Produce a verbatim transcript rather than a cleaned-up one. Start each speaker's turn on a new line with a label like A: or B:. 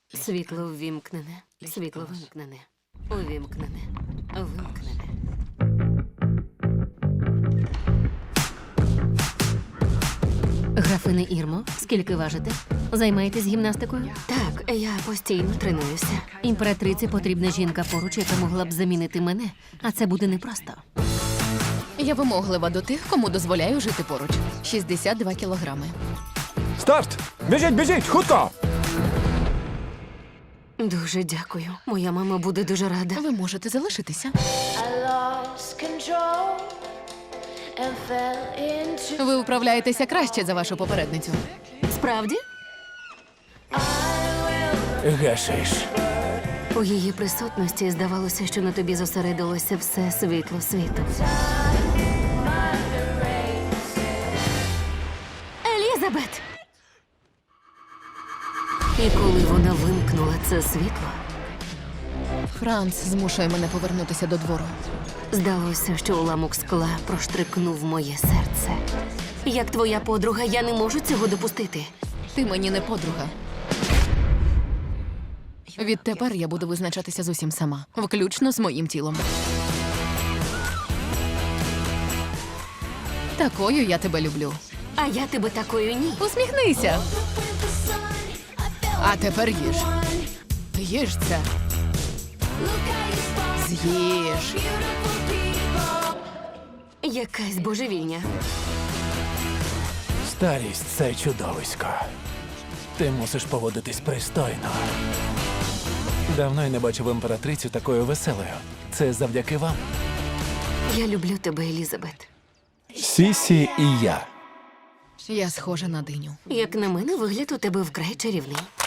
A: Світло ввімкнене, світло вимкнене, увімкнене, вимкнене. Графине Ірмо, скільки важите? Займаєтесь гімнастикою? Так, я постійно тренуюся. Імператриці потрібна жінка поруч, яка могла б замінити мене, а це буде непросто.
B: Я вимоглива до тих, кому дозволяю жити поруч. шістдесят два кілограми.
C: Старт! Біжіть, біжіть, хутко!
A: Дуже дякую. Моя мама буде дуже рада.
B: Ви можете залишитися.
D: I lost control and fell into.
B: Ви вправляєтеся краще за вашу попередницю.
A: Справді?
C: Гешиш.
A: У її присутності здавалося, що на тобі зосередилося все світло світу. Елізабет! І коли вона вимкнула це світло,
B: Франц змушує мене повернутися до двору.
A: здалося, що уламок скла проштрикнув моє серце. Як твоя подруга, я не можу цього допустити.
B: Ти мені не подруга. Відтепер я буду визначатися з усім сама, включно з моїм тілом. Такою я тебе люблю.
A: А я тебе такою ні.
B: Усміхнися. А тепер їж. Їж це. З'їж.
A: Якась божевільня.
C: Старість – це чудовисько. Ти мусиш поводитись пристойно. Давно я не бачив імператрицю такою веселою. Це завдяки вам.
A: Я люблю тебе, Елізабет.
C: Сісі і я.
B: Я схожа на диню.
A: Як на мене, вигляд у тебе вкрай чарівний.